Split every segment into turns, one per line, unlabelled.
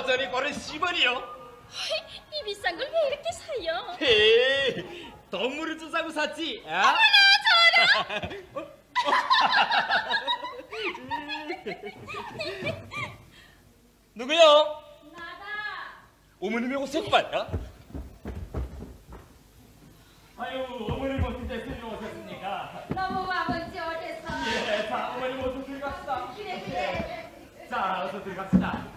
여전히 고른 10원이요.
이 비싼 걸 왜 이렇게 사요?
헤이, 동물을 좀 사고 샀지.
어머나 저라.
누구요?
나다.
어머님이 오셨구만. 아유, 어머님 어떻게 오셨습니까?
너무 아버지 어디서?
예, 자, 어머님 어서 들어갑시다.
그래.
자, 어서 들어갑시다.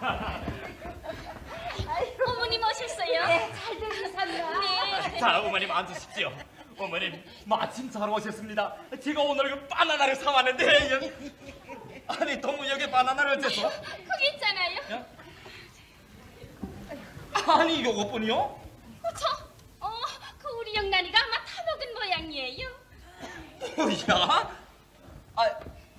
어머님 오셨어요?
네, 잘 들으셨나?
네.
자, 어머님 앉으십시오. 어머님, 마침 잘 오셨습니다. 제가 오늘 그 바나나를 사왔는데, 아니, 동무역에 바나나를 어째서?
거기 있잖아요.
아니, 요것뿐이요?
그 우리 영란이가 아마 타먹은 모양이에요.
뭐야? 아,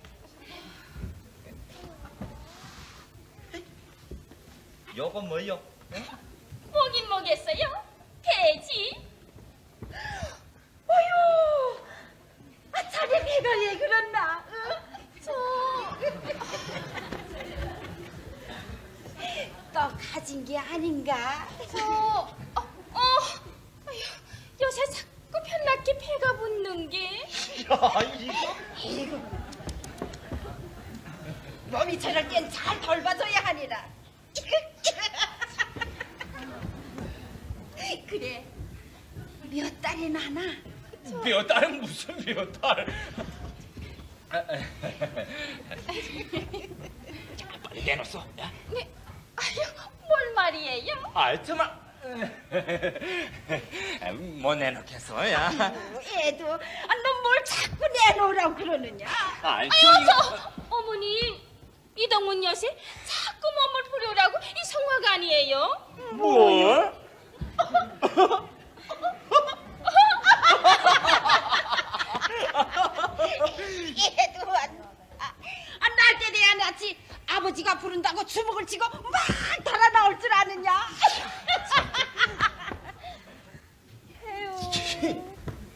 요건 뭐요?
뭐긴 뭐겠어요? 돼지.
어휴, 자네 배가 왜 그렇나? 또 가진 게 아닌가?
아휴, 요새 자꾸 편납게 배가 붙는 게.
야, 이거?
이거 몸이 저럴 땐 잘 돌봐줘야 하니라. 그래, 몇 달이나 하나?
몇 달은 무슨 몇 달? 자, 빨리 내놓소. 야?
네, 아휴, 뭘 말이에요?
아, 정말. 뭐 내놓겠어, 야?
애도 너 뭘 자꾸 내놓으라고 그러느냐?
아이,
어머님, 이동문 여세 자꾸 몸을 부려라고 이 성화가 아니에요?
뭘?
애도 날 때 돼야 낫지. 아버지가 부른다고 주먹을 치고 막 달아 나올 줄 아느냐? 에휴.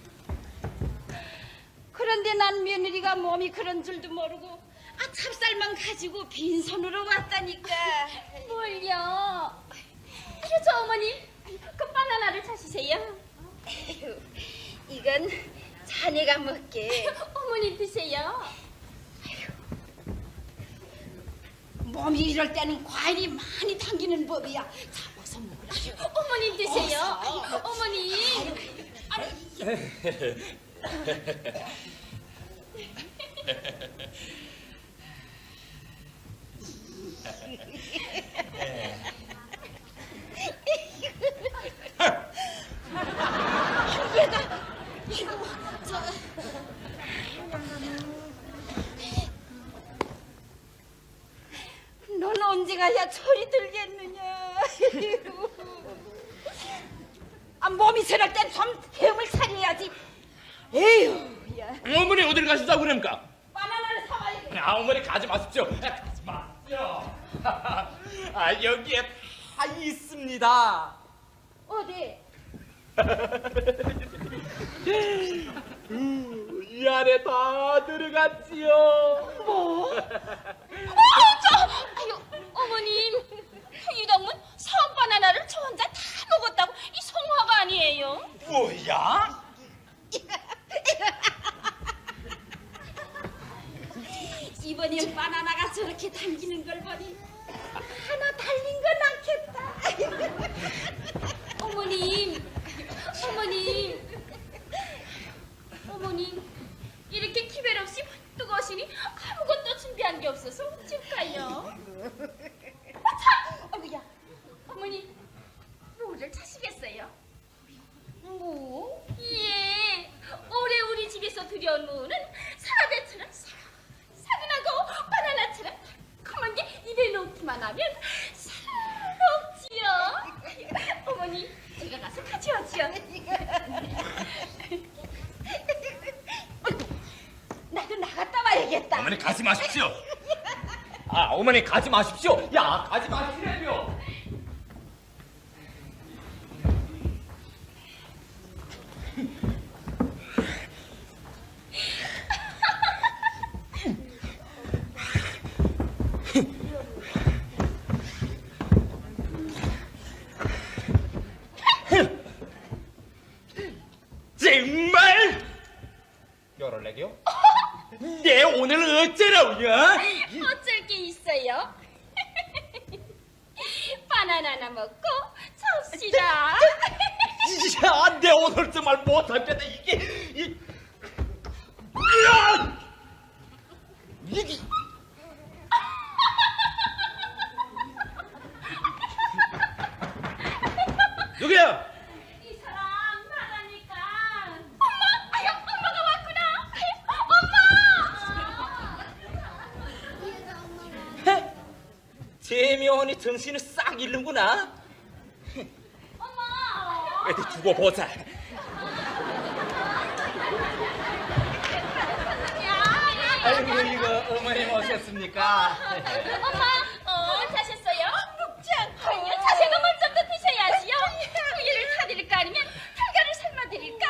그런데 난 며느리가 몸이 그런 줄도 모르고 찹쌀만 가지고 빈손으로 왔다니까.
뭘요? 저 어머니, 그 바나나를 찾으세요.
에휴, 이건 자네가 먹게.
어머니 드세요.
몸이 이럴 때는 과일이 많이 당기는 법이야. 잡아서 먹으라.
어머니 드세요. 어머니.
넌 언제 가야 철이 들겠느냐? 몸이 저럴 땐 좀 헤엄을 차려야지. 에휴, 야.
어머니 어딜 가시자고 그럽니까?
바나나를 사와야겠다.
아, 어머니 가지 마십시오. 가지 마십시오. 아, 여기에 다 있습니다.
어디?
이 안에 다 들어갔지요.
뭐?
아유, 어머님. 이동문 성 바나나를 저 혼자 다 먹었다고 이 성화가 아니에요.
뭐야?
이번엔 바나나가 저렇게 당기는 걸 보니 하나 달린 건 않겠다.
어머님. 이렇게 기별 없이 번뜩 오시니 아무것도 준비한 게 없어서 어쩔까요? 참! 어머야, 어머니, 뭐를 차시겠어요?
뭐?
예, 올해 우리 집에서 들여온 무는 사과대처럼 사근하고 바나나처럼 달콤한 게 입에 넣기만 하면 사롭지요. 어머니, 제가 가서 가져오지요.
나도 나갔다 와야겠다.
어머니 가지 마십시오. 아, 어머니 가지 마십시오. 야, 가지 마시라고요. 정말 열을내겨? 내 오늘 어쩌라우냐?
어쩔 게 있어요? 바나나나 먹고 잡시다.
야, 내 오늘 정말 못하겠다. 이게 야! 이게 누구야?
이 사람 나가니까. 엄마! 아유, 엄마가 왔구나. 엄마!
재미원이 정신을 싹 잃는구나.
엄마!
어디 두고 보자. 아이고 이거 어머님 오셨습니까?
엄마, 자셨어요? 먹지 않고. 아유, 자세가 먼저 드셔야지요. 우유를 타드릴까 아니면 달걀을 삶아드릴까?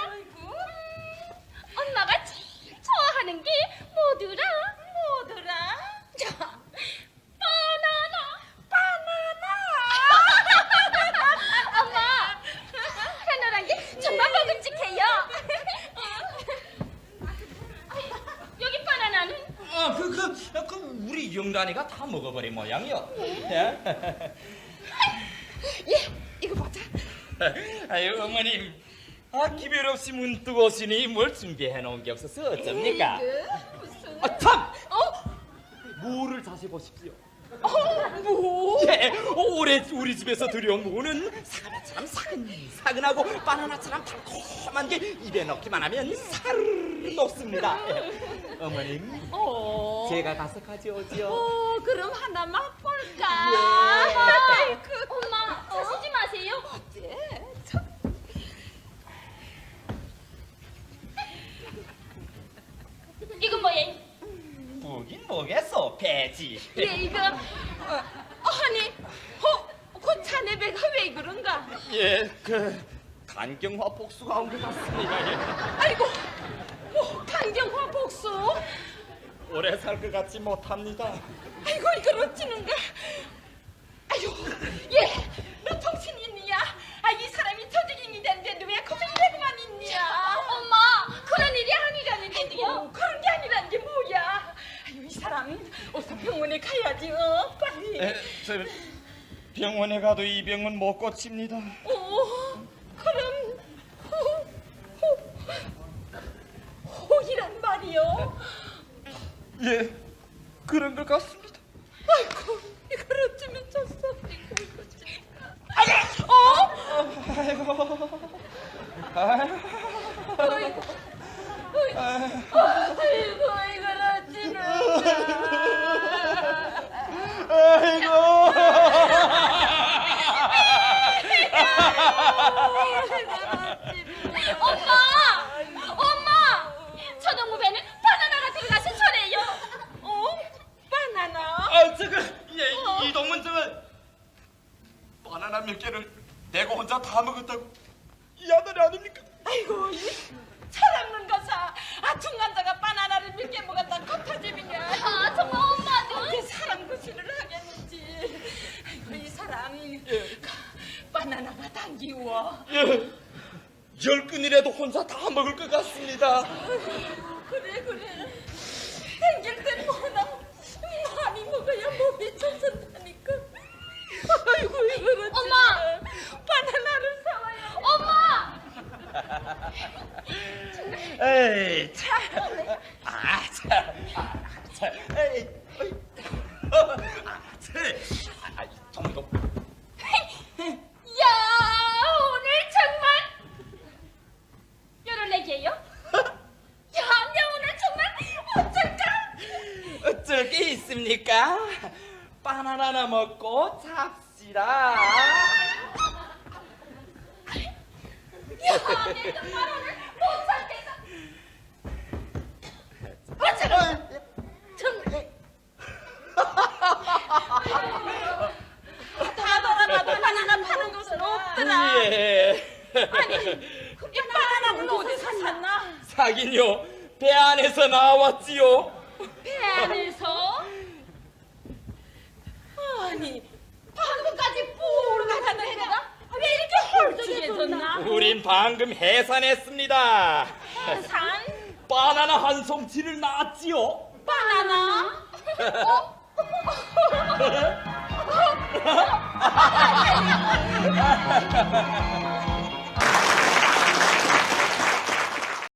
엄마가 제일 좋아하는 게 뭐더라? 바나나. 엄마, 바나나란 게 정말 먹음직해요. 여기 바나나는?
우리 영란이가 다 먹어버린 모양이요.
예, 이거 보자.
아유 어머님, 기별 없이 문득 오시니 뭘 준비해 놓은 게 없어서 어쩝니까?
무슨?
참! 무를 다시 보십시오.
뭐?
예, 올해 우리 집에서 들여온 무는 사과처럼 사근사근하고 바나나처럼 달콤한 게 입에 넣기만 하면 사르르 녹습니다. 어머님, 제가 가서 가져오지요.
그럼 하나 맛볼까?
예.
아이고,
엄마, 자시지 마세요.
예,
이건 뭐예요?
뭐긴 뭐겠어, 배지.
예, 이거 아니, 그 자네 배가 왜 그런가?
예, 간경화 복수가 온 것 같습니다. 예.
아이고, 강경화 복수?
오래 살 것 같지 못합니다.
아이고, 이걸 어찌는가? 아유, 예, 너 정신 있니야? 이 사람이 저주인이 된데도 왜 거기 이래고만 있냐?
엄마, 그런 일이 아니라는데도요.
그런 게 아니란 게 뭐야? 아유, 이 사람 어서 병원에 가야지, 빨리.
저 병원에 가도 이 병은 못 고칩니다.
그럼 호이란 말이요?
예, 그런 것 같습니다.
아이고, 이걸 어쩌면 졌어. 아이고, 이걸 어찌는
엄마! 저동무배는 바나나가 들어가서 저래요.
바나나?
예, 이동문 바나나 몇 개를 내가 혼자 다 먹었다고 이 아들이 아닙니까?
아이고, 이 철없는 거사. 중간자가 바나나를 몇 개 먹었다 겉터집이냐?
정말 엄마도?
어떻게 사람 구실을 하겠는지. 아이고, 이 사람 바나나가 당기워.
예, 10근이라도 혼자 다 먹을 것 같습니다.
그래. 당길 땐 뭐나 많이 먹어야 몸이 좋선다니까. 아이고, 이걸 어찌
엄마!
바나나를 사와요.
엄마!
에이, 참. 에이, 정도.
야, 오늘 정말 열어내게요? 야, 내 오늘 정말 어쩔까?
어쩔 게 있습니까? 바나나나 먹고 잡시다.
야, 내 정말 오늘 못 참겠어.
다 돌아봐도 바나나 파는 곳은 없더라.
예.
아니, 이 바나나는 어디서 샀나?
사긴요, 배 안에서 나왔지요.
배 안에서?
아니, 방금까지 뿔 나가는 애가 왜 이렇게 헐쭉해졌나?
우리 우린 방금 해산했습니다.
산
바나나 한 송치를 낳았지요.
바나나.